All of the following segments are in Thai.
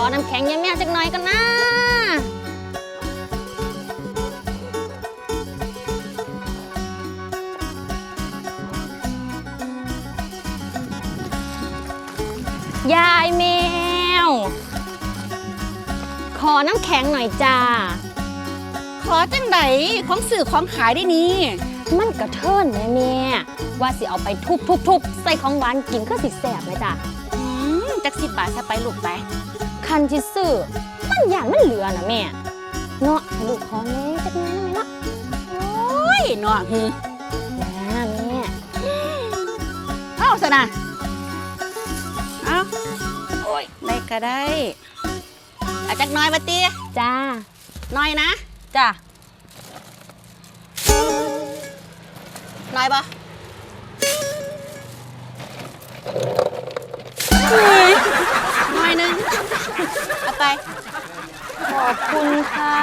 น้ำแข็งยายแมวจักหน่อยกันนะยายแมวขอน้ำแข็งหน่อยจ้าขอจังไดของสื่อของขายได้นี่มันกระเทินแม่ว่าสิเอาไปทุบใส่ของหวานกินก็สิแสบเลยจ้ะจัก10 บาทซะไปลูกไปคันที่ซื้อมันอย่างมันเหลือนะแม่เนาะให้ลูกขอแม่จักหน่อยได้ไหมเนาะโอ้ยเนาะนะแม่เอาซะนะเอาโอ้ยได้ก็ได้อาจักน้อยมาตีจ้าน้อยนะจ้าน้อยปะน้อยนึงเอาไปขอบคุณค่ะ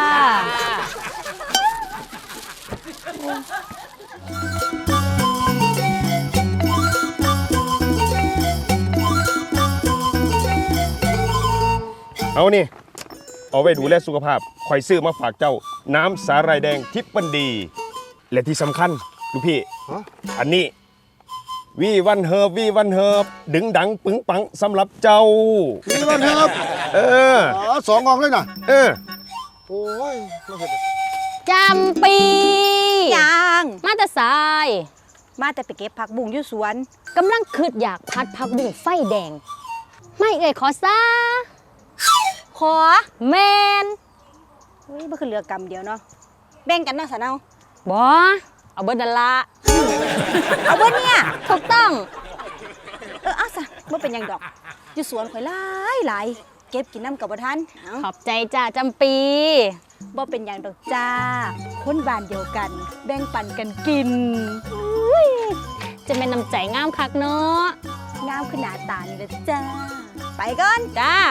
เอานี่เอาไว้ดูแลสุขภาพคอยซื้อมาฝากเจ้าน้ำสาหร่ายแดงทิพย์บันดีและที่สำคัญลูกพี่อันนี้วีวันเฮิบดึงดังปึงปังสำหรับเจ้าวีวันเฮิบ2 กล่องเลยนะโอ้ยจำปียังมาแต่สายมาแต่ไปเก็บผักบุ้งอยู่สวนกำลังคืดอยากพัดผักบุ้งไฟแดงไม่เอ่ยขอซาขอแมนบ่คือเหลือกำเดียวเนาะแบ่งกันเนาะสะเนาบ่เอาเบิดนั่นละเอาเบิดเนี่ยถูกต้องเอาซะบ่เป็นหยังดอกอยู่สวนข่อยหลายเก็บกินน้ำกับบ่ทันขอบใจจ้าจำปีบ่เป็นหยังดอกจ้าคนบ้านเดียวกันแบ่งปันกันกินจะเป็นน้ำใจงามคักเนาะงามขึ้นหน้าตานี่แหละจ้าไปก่อนจ้า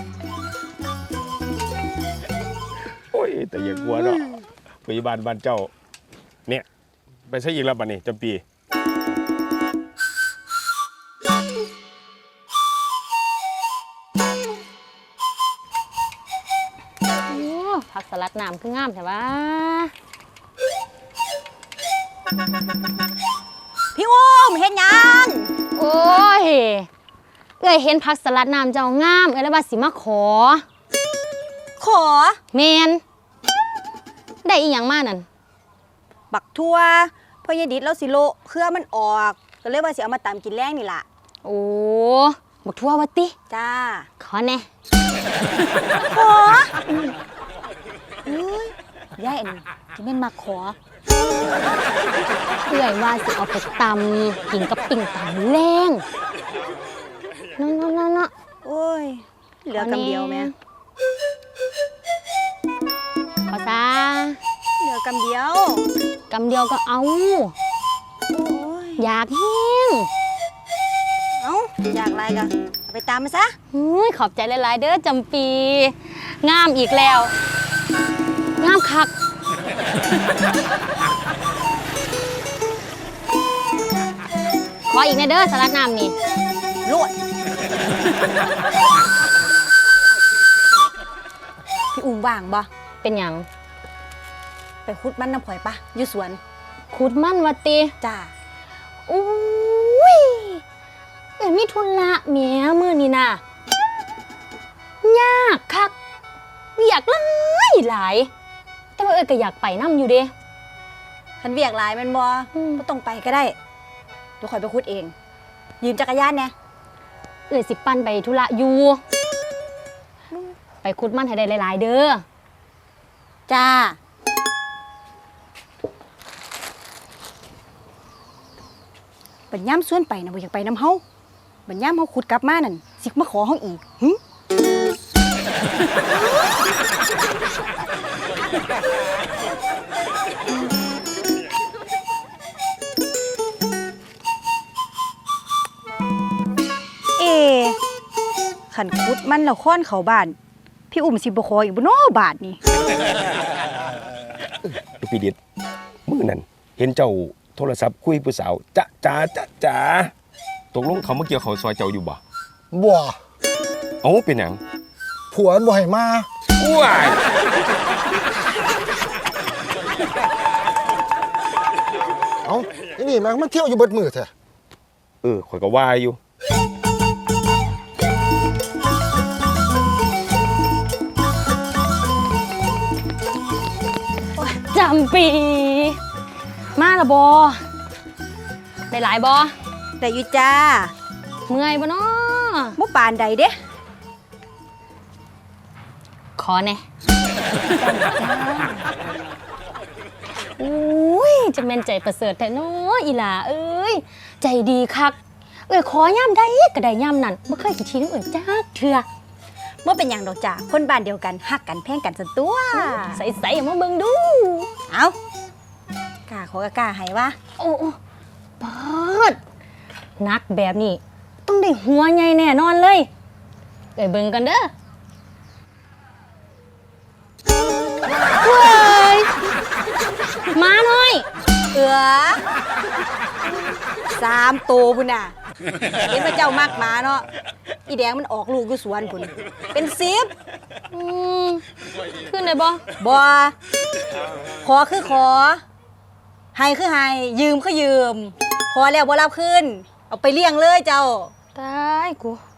โอ้ยแต่อย่ากลัวเนาะพยาบาลบ้านเจ้าเนี่ยไปใช้อีกแล้วบัดนี้จำปีผักสลัดน้ำคืองามใช่ปะพี่อุ้มเห็นยังโอ้ยเอ้ยเห็นผักสลัดน้ำเจ้างามเอ้ยแล้วว่าสิมาขอแมนได้อีหยังมานั่นบักทั่วพ่อยายดิดแล้วสิโลเครือมันออกก็เลยว่าสิเอามาตำกินแรงนี่ล่ะโอ้บักทั่ววะติจ้าขอแน่ขอเอ้ยยายอันนี้จะแม่นมาขอเอ้ยว่าสิเอาไปตำกินกับปิ่งตำแรงเนาะโอ้ยเหลือกำเดียวแม่ขอซาเหลือกำเดียวก็เอาอยากแห้งอยากอะไรกันไปตามมาซะขอบใจหลายๆเด้อจำปีงามอีกแล้วงามคักขออีกนะเด้อสลัดน้ำนี่รวดพี่อุ้มว่างบ่เป็นหยังไปขุดมันน้ำข่อยปะอยู่สวนขุดมันวัดตีจ้าอุ้ยมีทุนละเมียมือนี่น่ะยากคักอยากหลายแต่ว่าก็อยากไปน้ำอยู่เด้ฉันเวียกหลายมันบ่ก็ต้องไปก็ได้เดี๋ยวข่อยไปขุดเองยืมจักรยานเนี่ยสิปั่นไปธุระอยู่ไปขุดมันให้ได้หลายๆเด้อจ้าบัญญัมส่วนไปนะบ่อยากไปน้ำเฮาบัญญัมเฮาขุดกลับมานั่นสิมาขอเฮาอีกขันขุดมันแล้วค้อนเขาบ้านพี่อุ้มสิบ่ขออีกบ่น้อบาทนี่พี่ดิดมื้อนั้นเห็นเจ้าโทรศัพท์คุยผู้สาวจ๋าตกลงเขามาเกี่ยวเขาซอยเจ้าอยู่บ่บ่เอ้าเป็นหยังผัวมันบ่ให้มาว้ายเอ้าไอ้นี่แม่งมันเที่ยวอยู่เบิดมือแท้ข่อยก็ว่าอยู่จำปี มาละบอได้หลายบอแต่อยู่จ้าเมื่อยบ่เนาะบ่ปานใดเด้ขอแหน่อุ้ยจะเป็นใจประเสริฐแท้เนาะอีหลาเอ้ยใจดีคักขอย่ำได้ก็ได้ย่ำนั่นบ่เคยขี้ชี้น้ำจักเทื่อบ่เป็นหยังดอกจ้าคนบ้านเดียวกันฮักกันแพงกันสันตัวใส่ๆมาเบิ่งดูเอากล้าขอก็กล้าให้วะโอ้ปอดนักแบบนี้ ต้องได้หัวใหญ่แน่นอนเลยเบิ่งกันเด้อเว้ยมาหน่อยเอือ3 ตัวพุ่นน่ะเห็นพระเจ้ามักหมาเนาะอีแดงมันออกลูกอยู่สวนพุ่นเป็น10 อืมขึ้นได้บ่บ่ขอคือขอให้คือให้ยืมคือยืมขอแล้วบ่รับคืนเอาไปเลี้ยงเลยเจ้าตายกู